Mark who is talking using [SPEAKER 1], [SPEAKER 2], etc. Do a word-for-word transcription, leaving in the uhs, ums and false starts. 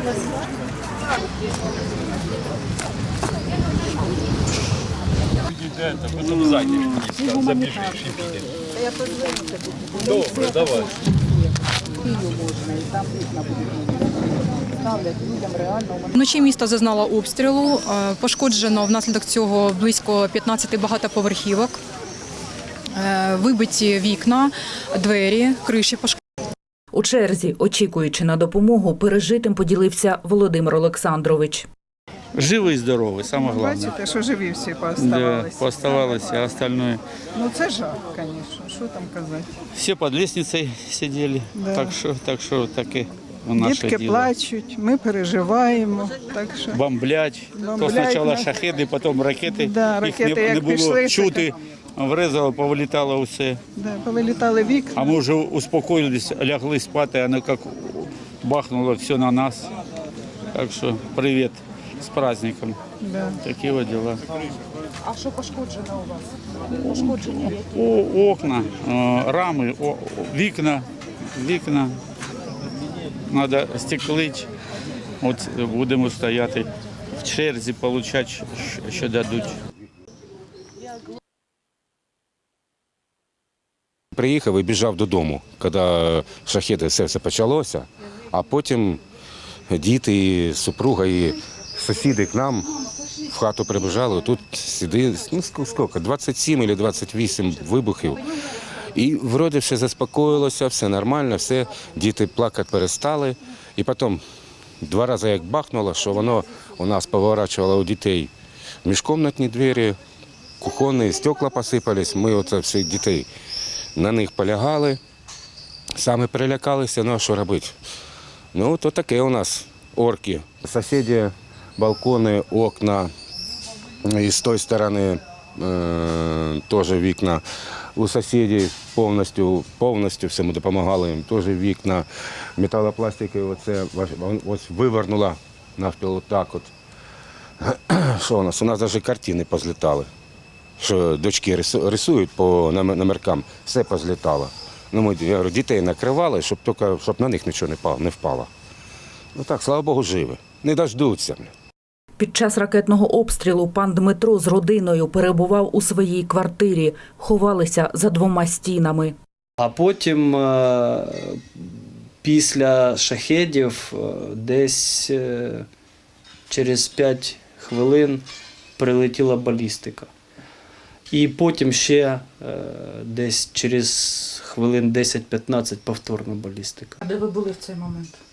[SPEAKER 1] Это, потом сзади место, забежишь и видишь.
[SPEAKER 2] Я позвоню тобі.
[SPEAKER 1] Добре, давай.
[SPEAKER 2] Київ можна, і там вікна будуть. Ставлять людям реально.
[SPEAKER 3] Вночі місто зазнало обстрілу. Е, Пошкоджено внаслідок цього близько п'ятнадцяти багатоповерхівок. Е, Вибиті вікна, двері, криші пошкоджені.
[SPEAKER 4] У черзі, очікуючи на допомогу, пережитим поділився Володимир Олександрович.
[SPEAKER 5] Живий і здоровий, саме головне.
[SPEAKER 2] Бачите, що живі всі
[SPEAKER 5] Да,
[SPEAKER 2] пооставалися.
[SPEAKER 5] пооставалося, а остальное.
[SPEAKER 2] Ну це жах, звісно, що там казати.
[SPEAKER 5] Все під лестницею сиділи,
[SPEAKER 2] Да.
[SPEAKER 5] так що, так що таке у наше
[SPEAKER 2] Дітки
[SPEAKER 5] діло.
[SPEAKER 2] плачуть, ми переживаємо, так що...
[SPEAKER 5] Бомблять, то
[SPEAKER 2] Бомблять
[SPEAKER 5] спочатку
[SPEAKER 2] нас.
[SPEAKER 5] шахеди, потім ракети.
[SPEAKER 2] Да,
[SPEAKER 5] Їх
[SPEAKER 2] ракети
[SPEAKER 5] не,
[SPEAKER 2] як
[SPEAKER 5] не було
[SPEAKER 2] пішли,
[SPEAKER 5] чути, врезало, повилітало все.
[SPEAKER 2] Да, повилітали вікна.
[SPEAKER 5] А ми вже успокоїлись, лягли спати, а воно як бахнуло все на нас. Так що привіт з праздником.
[SPEAKER 2] Да.
[SPEAKER 5] Такі от діла.
[SPEAKER 3] А що пошкоджено у вас? Пошкодження які?
[SPEAKER 5] О, окна, е, рами, о, вікна, вікна. Треба стеклити. От будемо стояти в черзі, отримати, що дадуть.
[SPEAKER 6] Приїхав і біжав додому, коли шахеди все, все почалося, а потім діти, супруга і сусіди к нам в хату прибіжали, тут сиди, ну скільки, двадцять сім або двадцять вісім вибухів. І вроді все заспокоїлося, все нормально, все, діти плакати перестали. І потім два рази як бахнуло, що воно у нас поворачувало у дітей міжкомнатні двері, кухонні, стекла посипались, ми оце всіх дітей на них полягали, самі перелякалися, ну а що робити? Ну, то таке у нас орки. Сусіди, балкони, окна, і з тої сторони е, теж вікна. У сусідів повністю, повністю все ми допомагали їм, теж вікна, металопластики, оце ось вивернула навпіл отак от. Що у нас? У нас навіть картини позлітали. Що дочки рисують по номеркам, все позлітало. Ну, ми, я говорю, дітей накривали, щоб, тільки, щоб на них нічого не впало. Ну так, слава Богу, живі. Не дождуться.
[SPEAKER 4] Під час ракетного обстрілу пан Дмитро з родиною перебував у своїй квартирі, ховалися за двома стінами.
[SPEAKER 7] А потім після шахедів десь через п'ять хвилин прилетіла балістика. І потім ще десь через хвилин десять-п'ятнадцять повторна балістика.
[SPEAKER 3] А де ви були в цей момент?